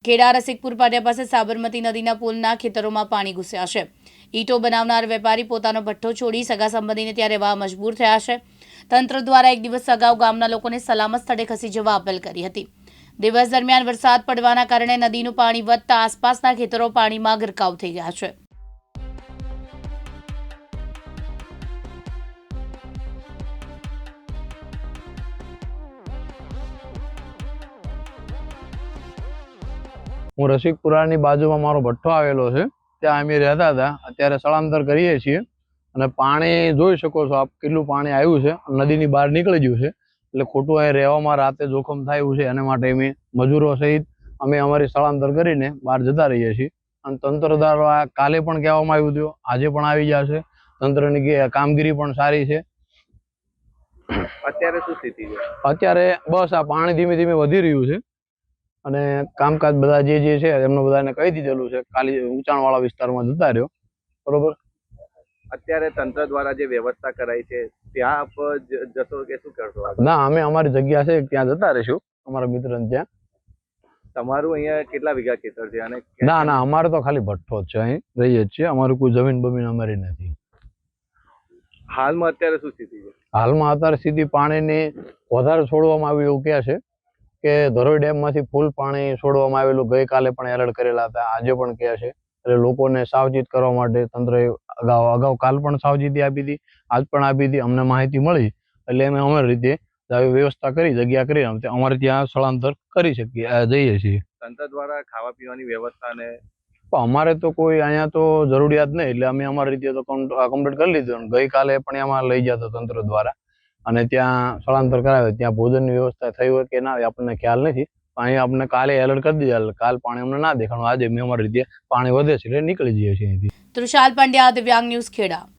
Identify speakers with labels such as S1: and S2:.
S1: ખેડા રસિકપુર પાટિયા પાસે સાબરમતી નદીના પુલના ખેતરોમાં પાણી ઘૂસ્યા છે। ઈંટો બનાવનાર વેપારી પોતાનો ભઠ્ઠો છોડી સગા સંબંધીને ત્યાં રહેવા મજબૂર થયા છે। તંત્ર દ્વારા એક દિવસ અગાઉ ગામના લોકોને સલામત સ્થળે ખસી જવા અપીલ કરી હતી। દિવસ દરમિયાન વરસાદ પડવાના કારણે નદીનું પાણી વધતા આસપાસના ખેતરો પાણીમાં ગરકાવ થઈ ગયા છે।
S2: હું રસિકપુરાની બાજુમાં મારો ભઠ્ઠો આવેલો છે, ત્યાં અમે રહેતા હતા। અત્યારે સ્થળાંતર કરીએ છીએ અને પાણી જોઈ શકો છો આપ કેટલું પાણી આવ્યું છે, નદીની બહાર નીકળી ગયું છે, એટલે ખોટું અહીં રહેવામાં રાતે જોખમ થાય છે। એના માટે અમે મજૂરો સહિત અમે અમારી સ્થળાંતર કરીને બહાર જતા રહીએ છીએ। અને તંત્ર દ્વારા કાલે પણ કહેવામાં આવ્યું હતું, આજે પણ આવી જશે। તંત્રની કામગીરી પણ સારી છે।
S3: અત્યારે શું સ્થિતિ છે?
S2: અત્યારે બસ આ પાણી ધીમે ધીમે વધી રહ્યું છે અને કામકાજ બધા જે છે એમને બધાને કહી દીધેલું છે, ખાલી ઊંચાણવાળા વિસ્તારમાં જતા રહ્યો, બરોબર।
S3: અત્યારે તંત્ર દ્વારા જે વ્યવસ્થા કરાઈ છે ત્યાં આપ જશો કે શું કરશો?
S2: ના, અમે અમારી જગ્યા છે ત્યાં જતા રહીશું, અમારા મિત્રને ત્યાં।
S3: તમારું અહીંયા કેટલા વીઘા ખેતર છે? અને
S2: ના ના, અમારે તો ખાલી ભઠ્ઠો જ છે, અહીં રહીએ જ છીએ, અમારું કોઈ જમીન બમીન અમારી નથી।
S3: હાલમાં અત્યારે શું સ્થિતિ છે?
S2: હાલમાં અત્યારે સ્થિતિ પાણીની વધારે છોડવામાં આવ્યું એવું કહે છે કે ધરોઈ ડેમમાંથી ફૂલ પાણી છોડવામાં આવેલું, ગઈકાલે પણ એલર્ટ કરેલા હતા, આજે પણ કહે છે। એટલે લોકોને સાવચેત કરવા માટે તંત્રએ અગાઉ કાલ પણ સાવચેતી આપી હતી, આજ પણ આપી હતી। અમને માહિતી મળી એટલે અમે અમારી રીતે આવી વ્યવસ્થા કરી, જગ્યા કરી અમારે ત્યાં સ્થળાંતર કરી શકીએ, જઈએ છીએ।
S3: તંત્ર દ્વારા ખાવા પીવાની વ્યવસ્થા ને
S2: અમારે તો કોઈ અહીંયા તો જરૂરિયાત નહીં, એટલે અમે અમારી રીતે તો કમ્પ્લીટ કરી લીધું। ગઈકાલે પણ એમાં લઈ ગયા હતા તંત્ર દ્વારા અને ત્યાં સ્થળાંતર કરાવે, ત્યાં ભોજનની વ્યવસ્થા થઈ હોય કે ના આપણને ખ્યાલ નથી। અહીંયા આપણને કાલે એલર્ટ કરી દીધા, કાલ પાણી અમને ના દેખાણું, આજે મેં અમારી રીતે પાણી વધે છે એટલે નીકળી જઈએ છીએ અહીંથી।
S1: તૃષાલ પંડ્યા, દિવ્યાંગ ન્યૂઝ, ખેડા।